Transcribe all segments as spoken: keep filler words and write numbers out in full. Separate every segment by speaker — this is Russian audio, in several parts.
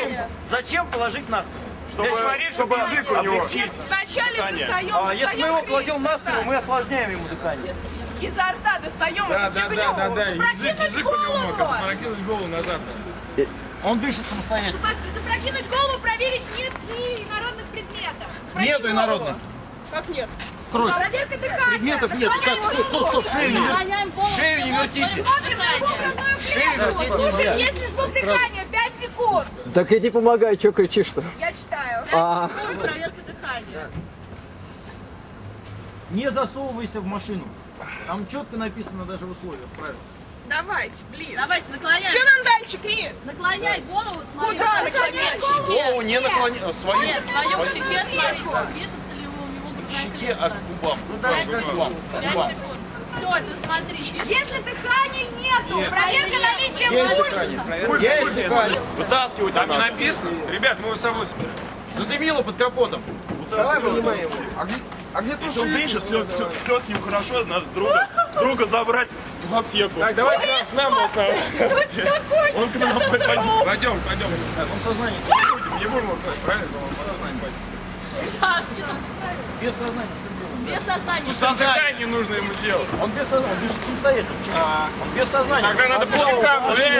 Speaker 1: Зачем, зачем положить на спину?
Speaker 2: Чтобы, чтобы язык у него.
Speaker 3: Нет, вначале достаем,
Speaker 1: А если мы его
Speaker 3: достаем
Speaker 1: кладем на
Speaker 3: кризис,
Speaker 1: спину, мы осложняем ему дыхание.
Speaker 3: изо рта достаем
Speaker 4: Да,
Speaker 3: эту
Speaker 4: да,
Speaker 3: фигню.
Speaker 4: да, да, да.
Speaker 5: Запрокинуть голову!
Speaker 4: Прокинуть голову назад.
Speaker 1: Он дышит самостоятельно.
Speaker 5: Запрокинуть голову, проверить, нет ли народных предметов.
Speaker 1: Нету инородных.
Speaker 3: Как нет?
Speaker 1: Кровь.
Speaker 5: Проверка дыхания.
Speaker 1: Предметов нет. Как, что, стоп, стоп, шею не вертите. Шею не вертите.
Speaker 5: Смотрим на его грудную
Speaker 1: Шею
Speaker 5: клетку.
Speaker 1: вертеть нельзя.
Speaker 5: Слушаем, есть ли звук дыхания. пять секунд.
Speaker 6: Так иди помогай, чё кричишь-то?
Speaker 5: Я читаю.
Speaker 6: А,
Speaker 5: Проверка дыхания.
Speaker 1: Не засовывайся в машину. Там четко написано даже в условиях, правильно.
Speaker 3: Давайте, блин.
Speaker 7: Давайте, наклоняй.
Speaker 3: Что нам дальше, Крис?
Speaker 7: Наклоняй голову, смотри.
Speaker 3: Куда
Speaker 7: наклоняй?
Speaker 3: наклонять?
Speaker 7: К щеке.
Speaker 1: Голову не наклони... Свою.
Speaker 7: Нет, свою к щеке, смотри. Движется ли у него
Speaker 1: К
Speaker 7: грудная
Speaker 1: щеке,
Speaker 7: клетка.
Speaker 1: а к губам. Ну, даже к губам. К
Speaker 7: Пять
Speaker 1: губам.
Speaker 7: секунд. Все, ты смотри.
Speaker 5: Если дыхания нету, проверка наличия
Speaker 1: Есть
Speaker 5: пульса.
Speaker 1: дыхание. Есть дыхание.
Speaker 2: Вытаскивать
Speaker 4: Там не
Speaker 2: надо.
Speaker 4: написано. Ребят, мы его с собой.
Speaker 1: Задымило под капотом.
Speaker 2: Если он дышит, все, все, все с ним хорошо, надо друга, друга забрать в аптеку.
Speaker 4: Так, давай к нам вот там.
Speaker 2: Он к нам пойдет.
Speaker 4: Пойдем, пойдем.
Speaker 1: Он сознание.
Speaker 4: Не будем его класть, правильно?
Speaker 7: Сейчас, что там?
Speaker 1: Без сознания.
Speaker 7: Без сознания.
Speaker 4: Сознание не нужно ему делать.
Speaker 1: Он без сознания. Он дышит самостоятельно. Он без сознания.
Speaker 4: Тогда надо по щекам.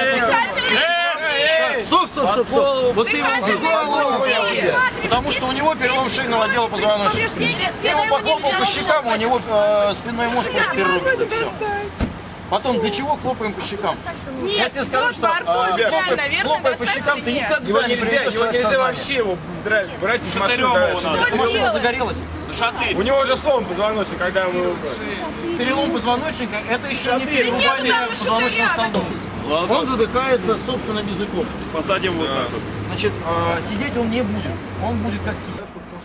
Speaker 1: Стоп, стоп, стоп, стоп. Вот ты его Потому что у него перелом шейного отдела позвоночника.
Speaker 5: Повреждение
Speaker 1: Я его
Speaker 5: спины
Speaker 1: похлопал
Speaker 5: нельзя
Speaker 1: по щекам, у него э, спинной мозг просто перерубит, и все. Потом, для чего хлопаем по щекам? Я тебе скажу, что э, хлопая, хлопая по щекам, ты никогда
Speaker 4: Его
Speaker 1: не
Speaker 4: нельзя,
Speaker 1: приведешь
Speaker 4: его
Speaker 1: человека в
Speaker 4: нельзя
Speaker 1: сознание.
Speaker 4: вообще его драть, брать из машины.
Speaker 2: Шатырем его
Speaker 4: дальше.
Speaker 2: надо.
Speaker 1: Машина загорелась.
Speaker 2: Шатырь.
Speaker 4: У него уже сломан позвоночник, когда мы...
Speaker 1: Перелом позвоночника – это еще не перерубание
Speaker 3: там
Speaker 1: позвоночного столба. Он задыхается собственным языком.
Speaker 2: Посадим вот так вот.
Speaker 1: Значит, э, сидеть он не будет. Он будет как кисть.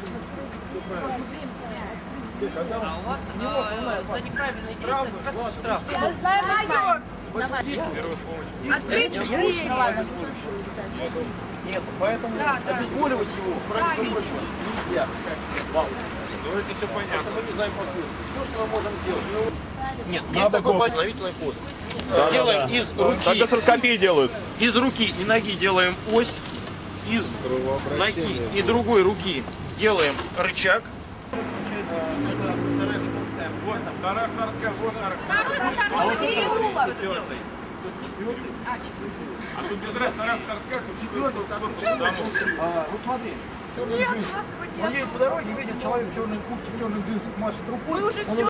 Speaker 5: Мы знаем, мы знаем. Открыть дверь.
Speaker 1: Нет, поэтому обезболивать его, кроме всего прочего, нельзя. Вам.
Speaker 4: Ну это все понятно.
Speaker 1: Мы не знаем последствий. Все, что мы можем сделать. Нет, есть такой восстановительный пост. Делаем из
Speaker 2: Так
Speaker 1: руки,
Speaker 2: гастроскопии делают.
Speaker 1: из руки и ноги делаем ось, из ноги и другой руки делаем рычаг.
Speaker 4: Вот там, вторая, вторая, вот
Speaker 5: Второй затарный переулок.
Speaker 4: А тут без раз, вторая, вторая, тут четвертый корпус домов.
Speaker 1: А, вот смотри. черные джинсы. Он едет по дороге, видит человек в черной куртке, в черных джинсах, машет рукой. Он уже